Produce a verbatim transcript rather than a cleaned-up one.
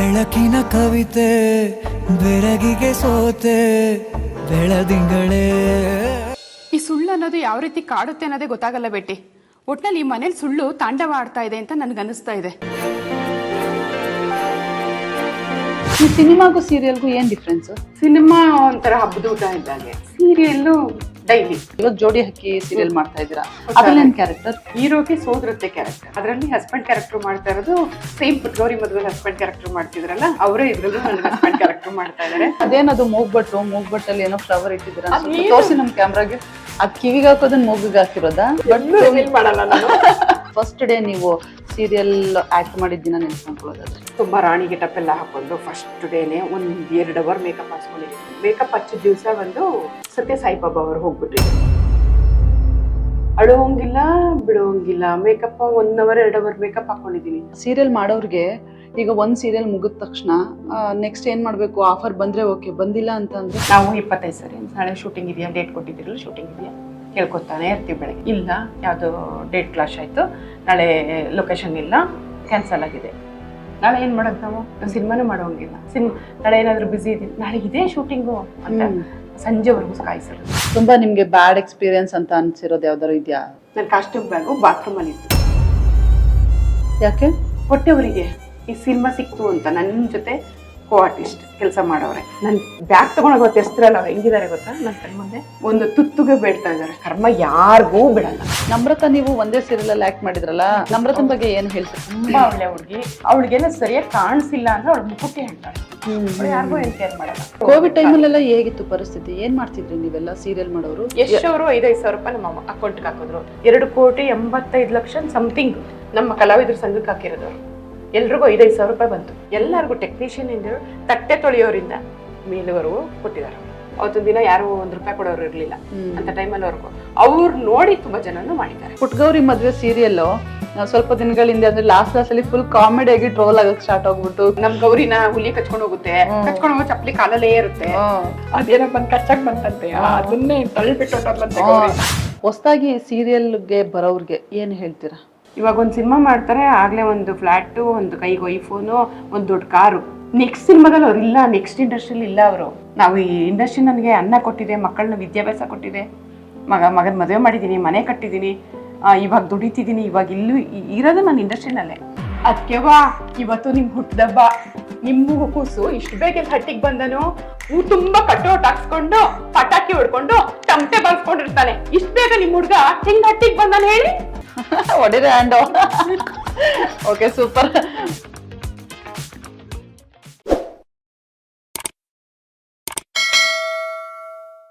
ಬೆಳಕಿನ ಕವಿತೆ ಬೆರಗಿಗೆ ಸೋತೆ ಬೆಳದಿಂಗಳೇ. ಈ ಸುಳ್ಳು ಅನ್ನೋದು ಯಾವ ರೀತಿ ಕಾಡುತ್ತೆ ಅನ್ನೋದೇ ಗೊತ್ತಾಗಲ್ಲ ಬೇಟಿ. ಒಟ್ನಲ್ಲಿ ಈ ಮನೇಲಿ ಸುಳ್ಳು ತಾಂಡವ ಆಡ್ತಾ ಇದೆ ಅಂತ ನನ್ಗೆ ಅನಿಸ್ತಾ ಇದೆ. ಈ ಸಿನಿಮಾಗೂ ಸೀರಿಯಲ್ಗೂ ಏನ್ ಡಿಫ್ರೆನ್ಸ್? ಸಿನಿಮಾ ಒಂಥರ ಹಬ್ಬದ ಊಟ ಇದ್ದಾಗೆ, ಸೀರಿಯಲ್ ಡೈಲಿ. ಇವಾಗ ಜೋಡಿ ಹಕ್ಕಿ ಸೀರಿಯಲ್ ಮಾಡ್ತಾ ಇದ್ದೀರಾ, ಅದ್ರಲ್ಲಿ ಏನ್ ಕ್ಯಾರೆಕ್ಟರ್? ಹೀರೋಗೆ ಸೋದರತ್ತೆ ಕ್ಯಾರೆಕ್ಟರ್, ಅದರಲ್ಲಿ ಹಸ್ಬೆಂಡ್ ಕ್ಯಾರೆಕ್ಟರ್ ಮಾಡ್ತಾ ಇರೋದು ಸೇಮ್ ಪುಟ್ಗೌರಿ ಮದುವೆ ಹಸ್ಬೆಂಡ್ ಕ್ಯಾರೆಕ್ಟರ್ ಮಾಡ್ತಿದ್ರಲ್ಲ ಅವರೇ ಇದ್ರಲ್ಲೂ ಹಸ್ಬೆಂಡ್ ಕ್ಯಾರೆಕ್ಟರ್ ಮಾಡ್ತಾ ಇದಾರೆ. ಅದೇನದು ಮೂಗ್ಬಟ್ಟು, ಮೂಗ್ಬಟ್ಟಲ್ಲಿ ಏನೋ ಫ್ಲವರ್ ಇಟ್ಟಿದ್ದೀರಾ ತೋರಿಸಿ ನಮ್ ಕ್ಯಾಮ್ರಾಗೆ. ಅದ್ ಕಿವಿಗೆ ಹಾಕೋದನ್ನ ಮೂಗಿಗೆ ಹಾಕಿರೋದಾ? ಬಟ್ ಮಾಡಲ್ಲ ನಾನು. ಫಸ್ಟ್ ಡೇ ನೀವು ಸೀರಿಯಲ್ ಆಕ್ಟ್ ಮಾಡಿದ್ದಿನ ನೆನ್ಸ್ಕೊಂಡ್ಕೊಳ್ಳೋದಾದ್ರೆ ತುಂಬಾ ರಾಣಿ ಗೆಟಪ್ ಎಲ್ಲ ಹಾಕೊಂಡು ಫಸ್ಟ್ ಡೇನೆ ಒಂದ್ ಎರಡು ಅವರ್ ಮೇಕಪ್ ಹಾಸ್ಕೊಂಡಿದ್ದೀನಿ. ಮೇಕಪ್ ಹಚ್ಚಿದ ದಿವಸ ಒಂದು ಸತ್ಯ ಸಾಯಿಬಾಬಾ ಅವರು ಹೋಗ್ಬಿಟ್ಟಿದ್ರು. ಅಳುವಂಗಿಲ್ಲ ಬಿಡುವಂಗಿಲ್ಲ, ಮೇಕಪ್ ಒನ್ ಅವರ್ ಎರಡು ಅವರ್ ಮೇಕಪ್ ಹಾಕೊಂಡಿದ್ದೀನಿ. ಸೀರಿಯಲ್ ಮಾಡೋರ್ಗೆ ಈಗ ಒಂದ್ ಸೀರಿಯಲ್ ಮುಗಿದ ತಕ್ಷಣ ನೆಕ್ಸ್ಟ್ ಏನ್ ಮಾಡ್ಬೇಕು? ಆಫರ್ ಬಂದ್ರೆ ಓಕೆ, ಬಂದಿಲ್ಲ ಅಂತ ಅಂದ್ರೆ ನಾವು ಇಪ್ಪತ್ತೈದು ಸರಿ ನಾಳೆ ಶೂಟಿಂಗ್ ಇದೆಯಾ, ಡೇಟ್ ಕೊಟ್ಟಿದ್ದೀರಲ್ಲ ಶೂಟಿಂಗ್ ಇದೆಯಾ ಕೇಳ್ಕೊತಾನೆ ಇರ್ತೀವಿ. ಬೆಳಗ್ಗೆ ಇಲ್ಲ, ಯಾವುದು ಡೇಟ್ ಕ್ಲಾಶ್ ಆಯ್ತು, ನಾಳೆ ಲೊಕೇಶನ್ ಇಲ್ಲ, ಕ್ಯಾನ್ಸಲ್ ಆಗಿದೆ, ನಾಳೆ ಏನ್ ಮಾಡೋದು ನಾವು? ಸಿನಿಮಾನು ಮಾಡೋಂಗಿಲ್ಲ, ಸಿನಿಮಾ ನಾಳೆ ಏನಾದ್ರು ಬಿಸಿ ಇದೀನಿ, ನಾಳೆ ಇದೇ ಶೂಟಿಂಗು ಅಂತ ಸಂಜೆವರೆಗೂ ಕಾಯಿಸಲ್ಲ. ತುಂಬಾ ನಿಮ್ಗೆ ಬ್ಯಾಡ್ ಎಕ್ಸ್ಪೀರಿಯನ್ಸ್ ಅಂತ ಅನ್ಸಿರೋದು ಯಾವ್ದಾರು ಇದೆಯಾ? ನನ್ನ ಕಾಸ್ಟ್ಯೂಮ್ ಬ್ಯಾಗು ಬಾತ್ರೂಮ್ ಅಲ್ಲಿ ಇತ್ತು. ಯಾಕೆ? ಹೊಟ್ಟೆವರಿಗೆ ಈ ಸಿನಿಮಾ ಸಿಕ್ತು ಅಂತ ನನ್ನ ಜೊತೆ ಕೋ ಆರ್ಟಿಸ್ಟ್ ಕೆಲಸ ಮಾಡೋರೆ ನನ್ ಬ್ಯಾಗ್ ತಗೊಂಡೋಗ ಗೊತ್ತಿರ್ತಿರಲ್ಲ ಅವ್ರು ಹೆಂಗಿದ್ದಾರೆ ಗೊತ್ತಾ? ನನ್ನ ಕಣ್ಮುಂದೆ ಒಂದು ತುತ್ತುಗೆ ಬೇಡ್ತಾ ಇದಾರೆ. ಕರ್ಮ ಯಾರಿಗೂ ಬಿಡಲ್ಲ. ನಮ್ರತಾ ನೀವು ಒಂದೇ ಸೀರಿಯಲ್ ಅಲ್ಲಿ ಆಕ್ಟ್ ಮಾಡಿದ್ರಲ್ಲ, ನಮ್ರತನ್ ಬಗ್ಗೆ ಏನ್ ಹೇಳ್ತೀರಿ? ತುಂಬಾ ಒಳ್ಳೆ ಹುಡುಗಿ, ಅವಳಿಗೆಲ್ಲ ಸರಿಯಾಗಿ ಕಾಣಿಸಿಲ್ಲ ಅಂದ್ರೆ ಅವಳು ಮುಖಕ್ಕೆ ಹೇಳ್ತಾಳೆ, ಯಾರಿಗೂ ಏನ್ ಕೇರ್ ಮಾಡಲ್ಲ. ಕೋವಿಡ್ ಟೈಮಲ್ಲೆಲ್ಲ ಹೇಗಿತ್ತು ಪರಿಸ್ಥಿತಿ? ಏನ್ ಮಾಡ್ತಿದ್ರಿ ನೀವೆಲ್ಲ ಸೀರಿಯಲ್ ಮಾಡೋರು? ಎಷ್ಟು ಅವರು ಐದೈದು ಸಾವಿರ ರೂಪಾಯಿ ನಮ್ಮ ಅಕೌಂಟ್ಗೆ ಹಾಕಿದ್ರು. ಎರಡು ಕೋಟಿ ಎಂಬತ್ತೈದು ಲಕ್ಷ ಸಮಥಿಂಗ್ ನಮ್ಮ ಕಲಾವಿದ್ರ ಸಂಘಕ್ಕೆ ಹಾಕಿರೋದವ್ರು. ಎಲ್ರಿಗೂ ಐದೈದು ಸಾವಿರ ರೂಪಾಯಿ ಬಂತು. ಎಲ್ಲರಿಗೂ ಟೆಕ್ನಿಷಿಯನ್ ಇಂದ ತಟ್ಟೆ ತೊಳೆಯೋರಿಂದ ಮೇಲುವರೆಗೂ ಕೊಟ್ಟಿದ್ದಾರೆ. ಅವತ್ತೊಂದು ದಿನ ಯಾರು ಒಂದ್ ರೂಪಾಯಿ ಕೊಡೋರು ಇರ್ಲಿಲ್ಲ ಅಂತ ಟೈಮಲ್ಲಿ ಅವ್ರಿಗೂ ಅವ್ರು ನೋಡಿ ತುಂಬಾ ಜನನು ಮಾಡಿದ್ದಾರೆ. ಪುಟ್ಗೌರಿ ಮದ್ವೆ ಸೀರಿಯಲ್ ಸ್ವಲ್ಪ ದಿನಗಳಿಂದ ಅಂದ್ರೆ ಲಾಸ್ಟ್ ಲಾಸ್ಟ್ ಅಲ್ಲಿ ಫುಲ್ ಕಾಮಿಡಿ ಆಗಿ ಟ್ರೋಲ್ ಆಗಕ್ ಸ್ಟಾರ್ಟ್ ಆಗ್ಬಿಟ್ಟು, ನಮ್ ಗೌರಿನ ಹುಲಿ ಕಚ್ಕೊಂಡು ಹೋಗುತ್ತೆ, ಕಚ್ಕೊಂಡು ಹೋಗೋ ಚಪ್ಪಲಿ ಕಾಲಲ್ಲೇ ಇರುತ್ತೆ, ಅದೇನೋ ಬಂದ್ ಕಚ್ಚಕ್ ಬಂತಂತೆ, ಅದನ್ನೇ ತಳ್ಳಿಬಿಟ್ಟು ಹೊಸದಾಗಿ ಸೀರಿಯಲ್ಗೆ ಬರೋರ್ಗೆ ಏನ್ ಹೇಳ್ತೀರಾ? ಇವಾಗ ಒಂದು ಸಿನಿಮಾ ಮಾಡ್ತಾರೆ, ಆಗ್ಲೇ ಒಂದು ಫ್ಲಾಟು, ಒಂದು ಕೈಗೆ ಐಫೋನು, ಒಂದು ದೊಡ್ಡ ಕಾರು. ನೆಕ್ಸ್ಟ್ ಸಿನಿಮಾದಲ್ಲಿ ಅವ್ರು ಇಲ್ಲ, ನೆಕ್ಸ್ಟ್ ಇಂಡಸ್ಟ್ರಿಯಲ್ಲಿ ಇಲ್ಲ ಅವರು. ನಾವು ಈ ಇಂಡಸ್ಟ್ರಿ ನನಗೆ ಅನ್ನ ಕೊಟ್ಟಿದೆ, ಮಕ್ಕಳನ್ನ ವಿದ್ಯಾಭ್ಯಾಸ ಕೊಟ್ಟಿದೆ, ಮಗ ಮಗನ ಮದುವೆ ಮಾಡಿದ್ದೀನಿ, ಮನೆ ಕಟ್ಟಿದ್ದೀನಿ, ಇವಾಗ ದುಡಿತಿದ್ದೀನಿ, ಇವಾಗ ಇಲ್ಲೂ ಇರೋದು ನಾನು ಇಂಡಸ್ಟ್ರಿನಲ್ಲೇ. ಅದಕ್ಕೆ ವಾ ಇವತ್ತು ನಿಮ್ ಹುಟ್ಟದಬ್ಬ, ನಿಮ್ಮ ಕೂಸು ಇಷ್ಟು ಬೇಗ ಹಟ್ಟಿಗೆ ಬಂದನು, ಹೂ ತುಂಬಾ ಕಟ್ಟೋಟ್ ಹಾಕ್ಸ್ಕೊಂಡು ಪಟಾಕಿ ಹೊಡ್ಕೊಂಡು ಟಮಟೆ ಬಾಳ್ಸ್ಕೊಂಡಿರ್ತಾನೆ. ಇಷ್ಟು ಬೇಗ ನಿಮ್ ಹುಡ್ಗ ಹೆಂಗ್ ಹಟ್ಟಿಗೆ ಬಂದಾನ ಹೇಳಿ? ಹೊಡಿರ ಹ್ಯಾಂಡ್. Okay, super.